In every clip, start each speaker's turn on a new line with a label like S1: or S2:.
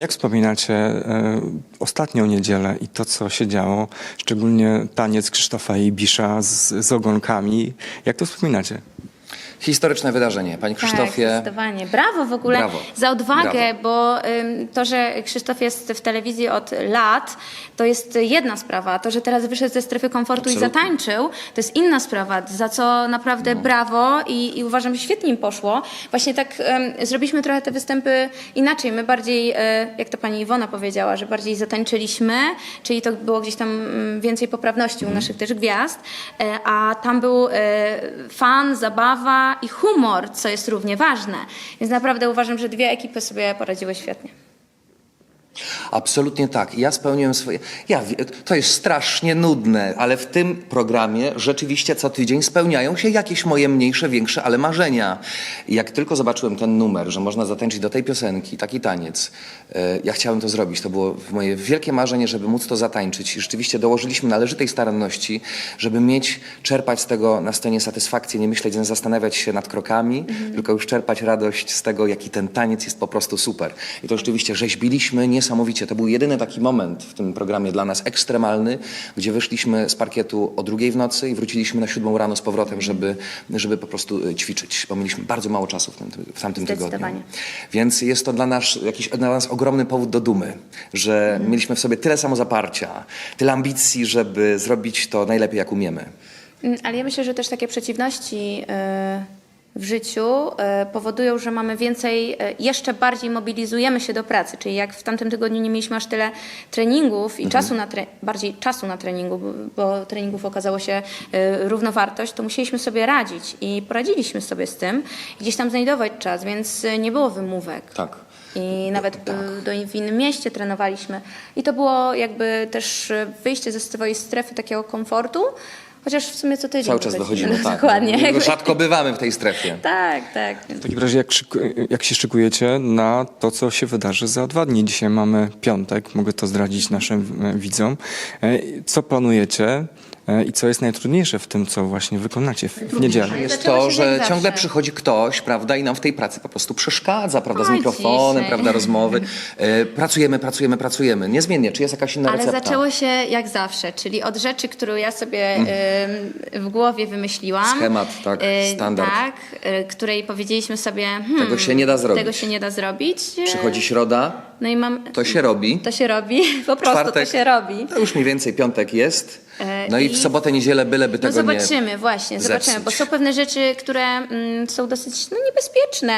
S1: Jak wspominacie ostatnią niedzielę i to, co się działo, szczególnie taniec Krzysztofa Ibisza z ogonkami? Jak to wspominacie?
S2: Historyczne wydarzenie. Panie Krzysztofie.
S3: Tak, zdecydowanie. Brawo w ogóle
S2: Brawo.
S3: za odwagę,
S2: Brawo.
S3: bo to, że Krzysztof jest w telewizji od lat, to jest jedna sprawa. To, że teraz wyszedł ze strefy komfortu
S2: Absolutnie.
S3: i zatańczył, to jest inna sprawa, za co naprawdę brawo i uważam, że świetnie im poszło. Właśnie tak zrobiliśmy trochę te występy inaczej. My bardziej, jak to pani Iwona powiedziała, że bardziej zatańczyliśmy, czyli to było gdzieś tam więcej poprawności u naszych też gwiazd, a tam był fan, zabawa i humor, co jest równie ważne. Więc naprawdę uważam, że dwie ekipy sobie poradziły świetnie.
S2: Absolutnie tak. Ja spełniłem swoje... To jest strasznie nudne, ale w tym programie rzeczywiście co tydzień spełniają się jakieś moje mniejsze, większe, ale marzenia. I jak tylko zobaczyłem ten numer, że można zatańczyć do tej piosenki, taki taniec, ja chciałem to zrobić. To było moje wielkie marzenie, żeby móc to zatańczyć. I rzeczywiście dołożyliśmy należytej staranności, żeby czerpać z tego na scenie satysfakcję, nie myśleć, nie zastanawiać się nad krokami, tylko już czerpać radość z tego, jaki ten taniec jest po prostu super. I to rzeczywiście rzeźbiliśmy niesamowicie. To był jedyny taki moment w tym programie dla nas ekstremalny, gdzie wyszliśmy z parkietu o 2:00 w nocy i wróciliśmy na 7:00 rano z powrotem, żeby po prostu ćwiczyć, bo mieliśmy bardzo mało czasu w tamtym tygodniu. Więc jest to dla nas ogromny powód do dumy, że mieliśmy w sobie tyle samozaparcia, tyle ambicji, żeby zrobić to najlepiej, jak umiemy.
S3: Ale ja myślę, że też takie przeciwności w życiu powodują, że mamy więcej, jeszcze bardziej mobilizujemy się do pracy. Czyli jak w tamtym tygodniu nie mieliśmy aż tyle treningów i bardziej czasu na treningu, bo treningów okazało się równowartość, to musieliśmy sobie radzić i poradziliśmy sobie z tym. Gdzieś tam znajdować czas, więc nie było wymówek.
S2: Tak.
S3: I nawet w innym mieście trenowaliśmy. I to było jakby też wyjście ze swojej strefy takiego komfortu, chociaż w sumie co tydzień.
S2: Cały czas dochodzimy, tak.
S3: Dokładnie.
S2: Rzadko bywamy w tej strefie.
S3: Tak, tak.
S1: W takim razie jak się szykujecie na to, co się wydarzy za 2 dni? Dzisiaj mamy piątek, mogę to zdradzić naszym widzom. Co planujecie i co jest najtrudniejsze w tym, co właśnie wykonacie w niedzielę?
S2: Jest
S3: Zaczęło
S2: to,
S3: się jak
S2: że
S3: zawsze.
S2: ciągle przychodzi ktoś, prawda, i nam w tej pracy po prostu przeszkadza, prawda, z
S3: Oj,
S2: mikrofonem,
S3: dzisiaj.
S2: prawda, rozmowy. Pracujemy. Niezmiennie. Czy jest jakaś inna
S3: Ale
S2: recepta?
S3: zaczęło się jak zawsze, czyli od rzeczy, którą ja sobie w głowie wymyśliłam.
S2: Schemat, tak, standard.
S3: Tak, której powiedzieliśmy sobie,
S2: Tego się nie da zrobić.
S3: Tego się nie da zrobić.
S2: Przychodzi środa,
S3: No i
S2: to się robi.
S3: To się robi, po prostu
S2: Czwartek,
S3: to się robi.
S2: To już mniej więcej piątek jest. No i w sobotę, niedzielę byleby
S3: No
S2: tego nie
S3: zobaczymy, właśnie, zobaczymy, bo są pewne rzeczy, które są dosyć niebezpieczne.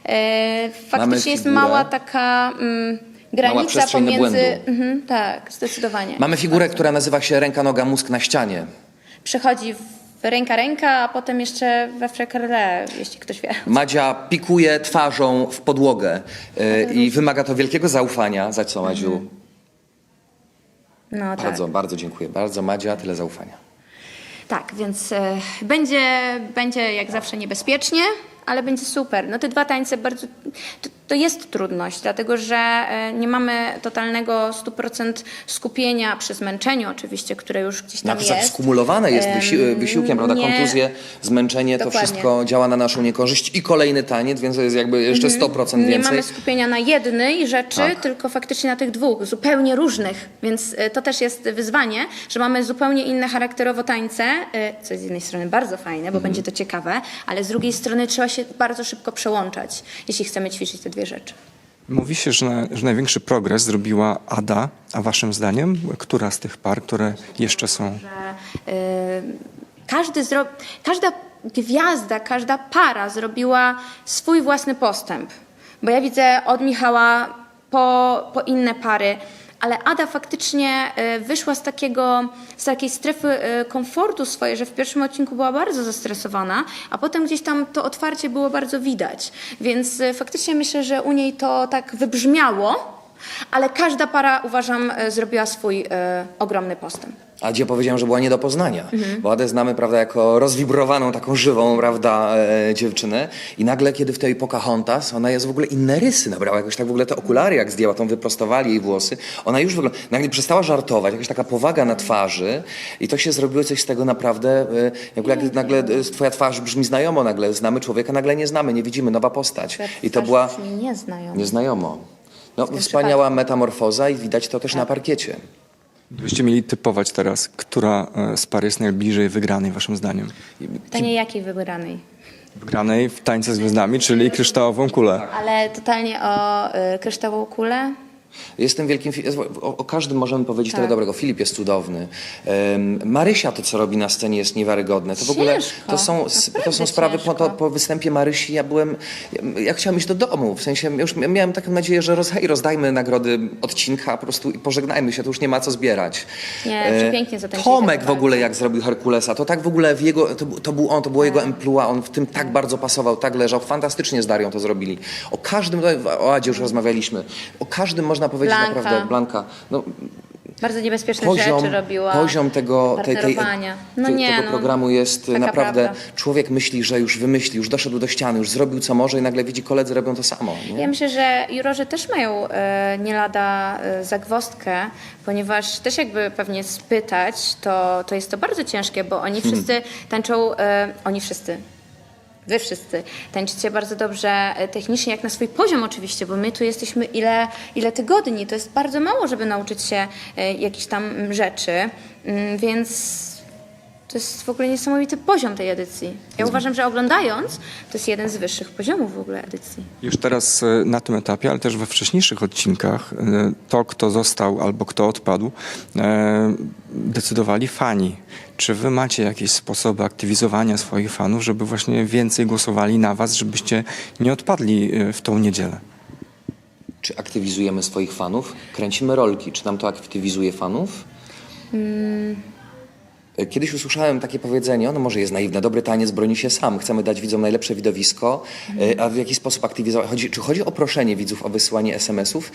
S3: Faktycznie jest
S2: figurę.
S3: mała taka granica
S2: przestrzeń na
S3: pomiędzy...
S2: błędu.
S3: Tak, zdecydowanie.
S2: Mamy figurę, która nazywa się ręka, noga, mózg na ścianie.
S3: Przychodzi ręka, a potem jeszcze we frekerle, jeśli ktoś wie.
S2: Madzia pikuje twarzą w podłogę i wymaga to wielkiego zaufania. Za co, Madziu?
S3: No tak.
S2: Bardzo dziękuję. Bardzo, Madzia, tyle zaufania.
S3: Tak, więc będzie jak zawsze niebezpiecznie, ale będzie super. No te 2 tańce bardzo... To jest trudność, dlatego że nie mamy totalnego 100% skupienia przy zmęczeniu oczywiście, które już gdzieś tam
S2: Tak
S3: jest.
S2: skumulowane jest wysiłkiem, prawda?
S3: nie-
S2: Kontuzje, zmęczenie,
S3: Dokładnie.
S2: to wszystko działa na naszą niekorzyść i kolejny taniec, więc to jest jakby jeszcze 100%
S3: Nie
S2: więcej.
S3: mamy skupienia na jednej rzeczy,
S2: Tak.
S3: tylko faktycznie na tych 2, zupełnie różnych. Więc to też jest wyzwanie, że mamy zupełnie inne charakterowo tańce, co jest z jednej strony bardzo fajne, bo będzie to ciekawe, ale z drugiej strony trzeba się bardzo szybko przełączać, jeśli chcemy ćwiczyć te 2 rzeczy.
S1: Mówi się, że największy progres zrobiła Ada, a waszym zdaniem, która z tych par, które jeszcze są?
S3: Każda gwiazda, każda para zrobiła swój własny postęp. Bo ja widzę od Michała po inne pary, ale Ada faktycznie wyszła z takiej strefy komfortu swojej, że w pierwszym odcinku była bardzo zestresowana, a potem gdzieś tam to otwarcie było bardzo widać. Więc faktycznie myślę, że u niej to tak wybrzmiało, ale każda para, uważam, zrobiła swój ogromny postęp.
S2: Adzie powiedziałem, że była nie do poznania, bo Adę znamy, prawda, jako rozwibrowaną, taką żywą, prawda, dziewczynę i nagle, kiedy w tej Pocahontas, ona jest w ogóle inne rysy nabrała, jakoś tak w ogóle te okulary jak zdjęła, tą wyprostowali jej włosy, ona już wygląda, nagle przestała żartować, jakaś taka powaga na twarzy i to się zrobiło coś z tego naprawdę, jak nagle twoja twarz brzmi znajomo, nagle znamy człowieka, nagle nie znamy, nie widzimy, nowa postać. I to była
S3: Nieznajomo.
S2: nieznajomo. No,
S3: w tym
S2: wspaniała metamorfoza i widać to też na parkiecie.
S1: Gdybyście mieli typować teraz, która z par jest najbliżej wygranej waszym zdaniem?
S3: Pytanie jakiej wybranej?
S1: Wygranej w Tańce z Gwiazdami, czyli kryształową kulę.
S3: Ale totalnie o kryształową kulę?
S2: Jestem wielkim... O każdym możemy powiedzieć tyle dobrego. Filip jest cudowny. Marysia to, co robi na scenie, jest niewiarygodne. To w ogóle...
S3: Ciężko,
S2: To są sprawy
S3: ciężko.
S2: po występie Marysi. Ja chciałem iść do domu. W sensie już miałem taką nadzieję, że rozdajmy nagrody odcinka po prostu i pożegnajmy się. To już nie ma co zbierać.
S3: Nie, przepięknie zatańczyli
S2: Tomek
S3: tak
S2: w ogóle
S3: bardzo.
S2: jak zrobił Herkulesa, to tak w ogóle w jego... To był on, to było jego emploi. On w tym tak bardzo pasował, tak leżał. Fantastycznie z Darią to zrobili. O każdym... O Adzie już rozmawialiśmy. O każdym można powiedzieć
S3: Blanka.
S2: naprawdę... Blanka. No,
S3: Bardzo niebezpieczne rzeczy robiła.
S2: poziom tego programu jest
S3: taka
S2: naprawdę...
S3: prawda.
S2: Człowiek myśli, że już wymyślił, już doszedł do ściany, już zrobił co może i nagle widzi koledzy robią to samo. Nie?
S3: Ja myślę, że jurorzy też mają nie lada zagwozdkę, ponieważ też jakby pewnie spytać, to jest to bardzo ciężkie, bo oni wszyscy tańczą, wy wszyscy tańczycie bardzo dobrze technicznie, jak na swój poziom oczywiście, bo my tu jesteśmy ile tygodni, to jest bardzo mało, żeby nauczyć się jakichś tam rzeczy, więc to jest w ogóle niesamowity poziom tej edycji. Ja uważam, że oglądając, to jest jeden z wyższych poziomów w ogóle edycji.
S1: Już teraz na tym etapie, ale też we wcześniejszych odcinkach, to kto został albo kto odpadł, decydowali fani. Czy wy macie jakieś sposoby aktywizowania swoich fanów, żeby właśnie więcej głosowali na was, żebyście nie odpadli w tą niedzielę?
S2: Czy aktywizujemy swoich fanów? Kręcimy rolki. Czy nam to aktywizuje fanów? Kiedyś usłyszałem takie powiedzenie, ono może jest naiwne, dobry taniec broni się sam, chcemy dać widzom najlepsze widowisko, a w jaki sposób aktywizować? Czy chodzi o proszenie widzów o wysyłanie SMS-ów?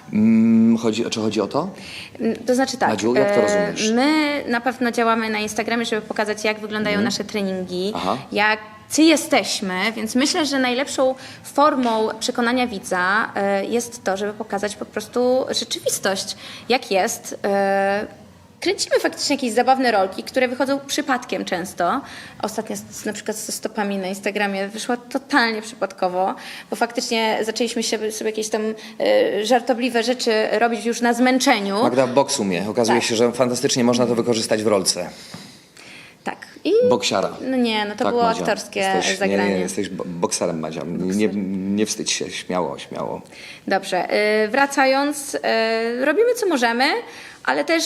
S2: Czy chodzi o to?
S3: To znaczy tak,
S2: Madziu, jak to rozumiesz?
S3: my na pewno działamy na Instagramie, żeby pokazać, jak wyglądają nasze treningi,
S2: Aha.
S3: jacy jesteśmy, więc myślę, że najlepszą formą przekonania widza jest to, żeby pokazać po prostu rzeczywistość, jak jest. Kręcimy faktycznie jakieś zabawne rolki, które wychodzą przypadkiem często. Ostatnio na przykład ze stopami na Instagramie wyszła totalnie przypadkowo, bo faktycznie zaczęliśmy sobie jakieś tam żartobliwe rzeczy robić już na zmęczeniu.
S2: Magda w boksu mnie. Okazuje
S3: Tak.
S2: się, że fantastycznie można to wykorzystać w rolce.
S3: Tak. I
S2: Boksiara.
S3: no nie, no to
S2: Tak,
S3: było
S2: Madzia.
S3: aktorskie
S2: Nie,
S3: zagranie.
S2: jesteś bokserem, Madzia. Nie wstydź się, śmiało.
S3: Dobrze, wracając, robimy co możemy, ale też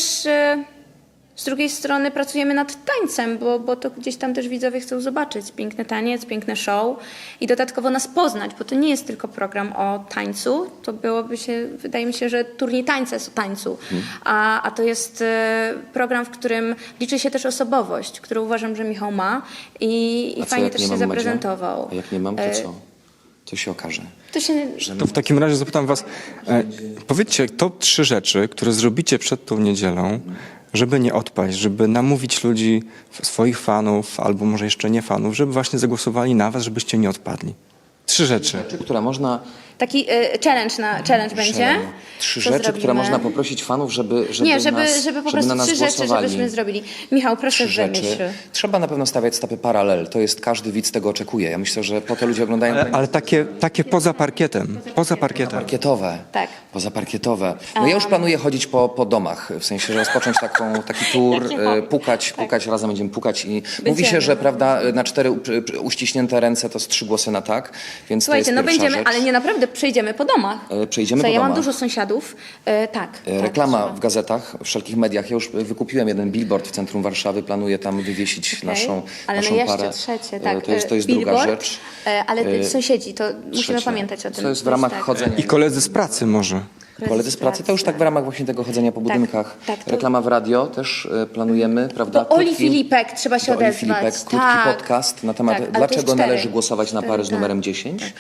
S3: z drugiej strony pracujemy nad tańcem, bo to gdzieś tam też widzowie chcą zobaczyć piękny taniec, piękne show i dodatkowo nas poznać, bo to nie jest tylko program o tańcu, to byłoby się, wydaje mi się, że turniej tańca jest o tańcu, a to jest program, w którym liczy się też osobowość, którą uważam, że Michał ma i
S2: A co,
S3: fajnie
S2: jak
S3: też
S2: nie
S3: się
S2: mam, Madzia?
S3: zaprezentował.
S2: A jak nie mam, to co? Co się okaże?
S3: To się...
S1: To w takim razie zapytam was, powiedzcie top 3 rzeczy, które zrobicie przed tą niedzielą, żeby nie odpaść, żeby namówić ludzi, swoich fanów, albo może jeszcze nie fanów, żeby właśnie zagłosowali na was, żebyście nie odpadli. 3 rzeczy.
S2: Które można...
S3: Taki challenge będzie.
S2: 3
S3: Co
S2: rzeczy, które
S3: zrobimy?
S2: można poprosić fanów, żeby
S3: żeby po prostu
S2: na nas
S3: 3 rzeczy,
S2: głosowali.
S3: żebyśmy zrobili. Michał, proszę
S2: 3 rzeczy.
S3: wymyśl.
S2: Trzeba na pewno stawiać stopy paralel. To jest, każdy widz tego oczekuje. Ja myślę, że po to ludzie oglądają...
S1: Ale takie poza parkietem. Poza parkietem.
S2: Parkietowe.
S3: Tak.
S2: Pozaparkietowe. No ja już planuję chodzić po domach, w sensie, że rozpocząć taki tour, pukać, razem będziemy pukać i mówi się, że prawda, na 4 uściśnięte ręce to z 3 głosy na tak, więc
S3: Słuchajcie,
S2: to jest
S3: no
S2: pierwsza
S3: będziemy,
S2: rzecz.
S3: ale nie naprawdę przejdziemy po domach.
S2: Przejdziemy po
S3: Ja mam
S2: domach.
S3: dużo sąsiadów. Tak.
S2: Reklama
S3: trzeba.
S2: w gazetach, w wszelkich mediach. Ja już wykupiłem jeden billboard w centrum Warszawy, planuję tam wywiesić
S3: Okej.
S2: naszą
S3: Ale
S2: naszą
S3: no jeszcze
S2: parę.
S3: trzecie, tak.
S2: To jest druga
S3: Billboard,
S2: rzecz.
S3: Ale sąsiedzi, to musimy
S2: Trzecie.
S3: pamiętać o tym.
S2: To jest w ramach
S3: tak.
S2: chodzenia.
S1: I koledzy z pracy może.
S2: Koledzy z pracy, to już tak w ramach właśnie tego chodzenia po budynkach.
S3: tak, to-
S2: Reklama w radio też planujemy, prawda?
S3: Do Oli Filipek trzeba się
S2: do Oli
S3: odezwać.
S2: Filipek, krótki
S3: Tak.
S2: podcast na temat
S3: Tak, ale to
S2: dlaczego
S3: już 4.
S2: należy głosować na pary z numerem 10.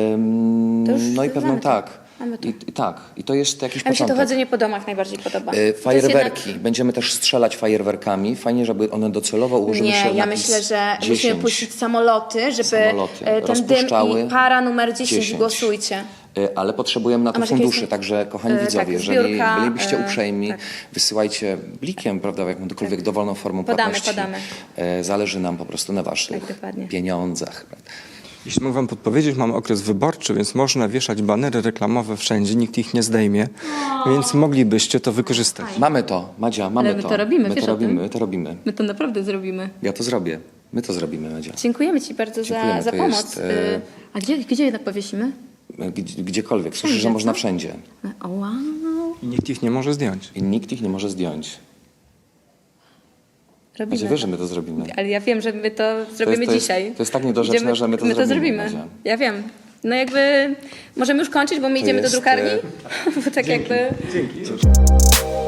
S3: To już
S2: No i pewno
S3: mamy to.
S2: tak.
S3: Mamy to.
S2: I tak. I to jest jakiś
S3: A mi się to
S2: początek.
S3: chodzenie po domach najbardziej podoba. To jest
S2: Fajerwerki.
S3: jednak-
S2: Będziemy też strzelać fajerwerkami. Fajnie, żeby one docelowo ułożyły się
S3: Nie, ja
S2: napis
S3: myślę, że
S2: 10.
S3: musimy puścić samoloty, żeby
S2: Samoloty
S3: ten dym
S2: rozpuszczały
S3: i para numer 10,
S2: 10.
S3: głosujcie.
S2: Ale potrzebujemy na to
S3: masz jakieś-
S2: funduszy, także kochani widzowie,
S3: tak,
S2: jeżeli
S3: zbiórka,
S2: bylibyście uprzejmi,
S3: tak.
S2: wysyłajcie blikiem, prawda, jakąkolwiek dowolną formą
S3: Podamy,
S2: płatności.
S3: podamy.
S2: Zależy nam po prostu na waszych
S3: Tak, dokładnie.
S2: pieniądzach. Prawda?
S1: Jeśli mogę wam podpowiedzieć, mamy okres wyborczy, więc można wieszać banery reklamowe wszędzie, nikt ich nie zdejmie, więc moglibyście to wykorzystać.
S2: Mamy to, Madzia, mamy
S3: Ale my
S2: to.
S3: to robimy,
S2: my
S3: wiesz
S2: to
S3: o
S2: robimy,
S3: tym?
S2: my to robimy.
S3: My to naprawdę zrobimy.
S2: Ja to zrobię. My to zrobimy, Madzia.
S3: Dziękujemy ci bardzo
S2: Dziękujemy,
S3: za
S2: to
S3: pomoc.
S2: jest,
S3: A gdzie jednak powiesimy?
S2: Gdziekolwiek. Słyszę,
S3: Wszędzie,
S2: że można
S3: co?
S2: wszędzie.
S3: O, wow.
S1: I nikt ich nie może zdjąć.
S2: I nikt ich nie może zdjąć.
S3: Robimy
S2: Madzia, wiesz, że my to zrobimy.
S3: Ale ja wiem, że my to zrobimy
S2: to jest-
S3: dzisiaj.
S2: to jest tak niedorzeczne, że my to zrobimy, Madzia.
S3: Ja wiem. No jakby możemy już kończyć, bo my idziemy do
S2: jest,
S3: drukarni. Bo tak jakby...
S1: Dzięki.